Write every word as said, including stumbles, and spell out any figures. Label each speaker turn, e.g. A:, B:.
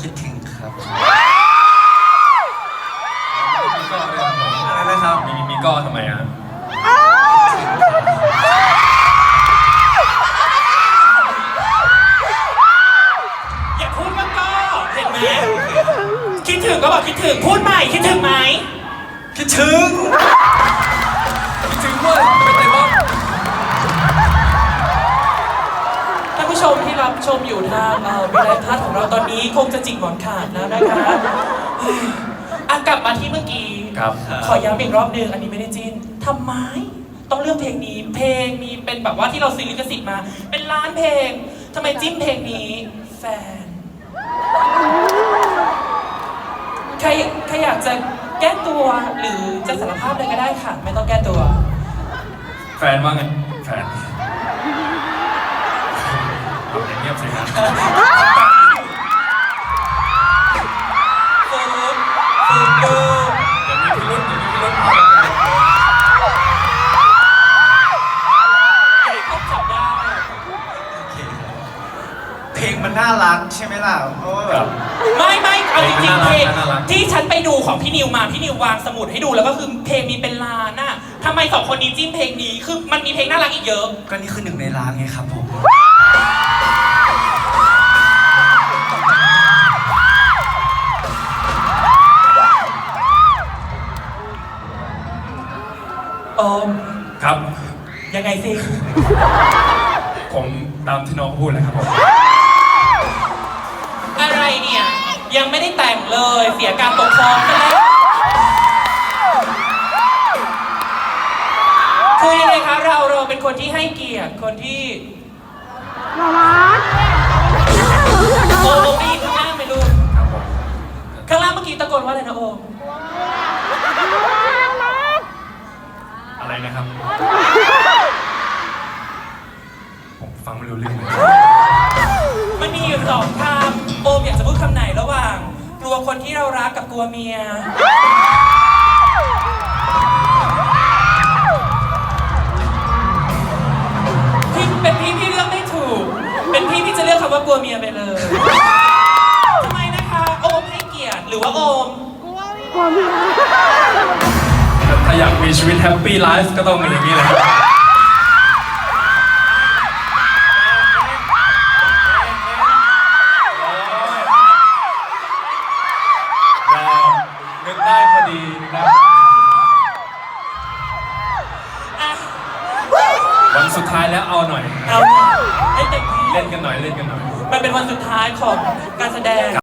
A: คิดถึงครับ
B: มีก็อะไรครับผม
A: อะไรนะครับ
B: มีมีก็ทำไมอ่ะ
C: อย่าพูดว่าก็เห็นไหมคิดถึงก็บอกคิดถึงพูดใหม่คิดถึงไหม
A: คิดถึง
B: คิดถึงด้วยเป็นไงบ้าง
C: ท่านผู้ชมที่รับชมอยู่ทางเอ่อวิไลพัฒน์ของเราตอนนี้คงจะจิกหมอนขาดแล้วนะคะอ่ะกลับมาที่เมื่อกี้
B: ครับ
C: ขอย้ำอีกรอบหนึ่งอันนี้ไม่ได้จิ้นทำไมต้องเลือกเพลงนี้ เพลงมีเป็นแบบว่าที่เราซื้อลิขสิทธิ์มา เป็นล้านเพลงทำไมจิ้มเพลงนี้แฟนใครใครอยากจะแก้ตัวหรือจะสารภาพเลยก็ได้ค่ะไม่ต้องแก้ตัว
B: แฟนว่าไงแฟนเอาอย่างเงียบสิครับ
C: ฟูดฟูดดู
B: อย่ามีพิรุธอย่ามีพิรุธ
C: ใหญ่เขาจับได้
A: โอเคครับเพลงมันน่ารักใช่ไหมล่ะเพราะว่าแบบ
C: ไม่ไม่เอาจริงๆเพลงที่ฉันไปดูของพี่นิวมาพี่นิววางสมุดให้ดูแล้วก็คือเพลงมีเป็นล้านน่ะทำไมสองคนนี้จิ้มเพลงนี้คือมันมีเพลงน่ารักอีกเยอะ
A: ก็นี่คือหนึ่งในล้านไงครับผม
C: โอม
B: ครับ
C: ยังไงสิ
B: ผมตามที่น้องพูดเลยครับผม
C: อะไรเนี่ยยังไม่ได้แต่งเลยเสียการปกครองไปแล้วคือยังไงคะเราเราเป็นคนที่ให้เกียรติคนที่โอมได้ยินข้างล่างไหมลูก
B: ครับผม
C: ข้างล่างเมื่อกี้ตะโกนว่าอะไรนะโอม
B: อะไรนะครับผมฟังไม่รู้เรื่องเลย
C: มันมีอยู่สองคำโอมอยากจะพูดคำไหนระหว่าง กลัวคนที่เรารักกับกลัวเมียพี่เป็นพี่พี่เลือกไม่ถูก เป็นพี่พี่จะเลือกคำว่ากลัวเมียไปเลยทำไมนะคะโอมให้เกียรติหรือว่าโอม
B: ถ้าอยากมีชีวิตแฮปปี้ไลฟ์ก็ต้องมีอย่างนี้แหละครับนึกได้พอดีนะ
C: อ่ะ
B: วันสุดท้ายแล้วเอาหน่อย
C: เอาให้เต็มที่
B: เล่นกันหน่อยเล่นกันหน่อย
C: มันเป็นวันสุดท้ายของการแสดง